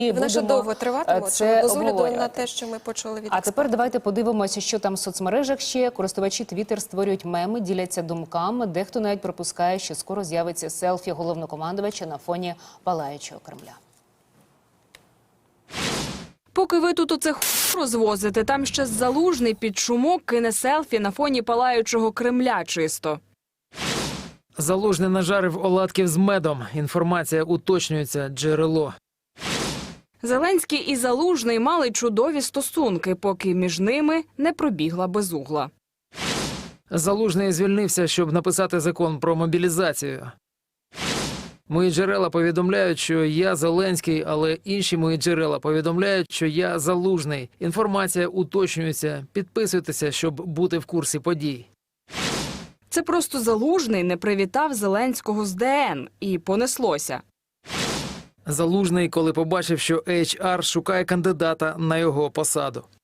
Вона ще довго триватиме, це з огляду обговорювати. на те, що ми почули від А тепер давайте подивимося, що там в соцмережах ще. Користувачі Twitter створюють меми, діляться думками. Дехто навіть припускає, що скоро з'явиться селфі головнокомандувача на фоні палаючого Кремля. Поки ви тут оце розвозите, там ще Залужний під шумок кине селфі на фоні палаючого Кремля чисто. Залужний нажарив оладків з медом. Інформація уточнюється, джерело. Зеленський і Залужний мали чудові стосунки, поки між ними не пробігла безугла. Залужний звільнився, щоб написати закон про мобілізацію. Мої джерела повідомляють, що я Зеленський, але інші мої джерела повідомляють, що я Залужний. Інформація уточнюється. Підписуйтеся, щоб бути в курсі подій. Це просто Залужний не привітав Зеленського з ДН. І понеслося. Залужний, коли побачив, що HR шукає кандидата на його посаду.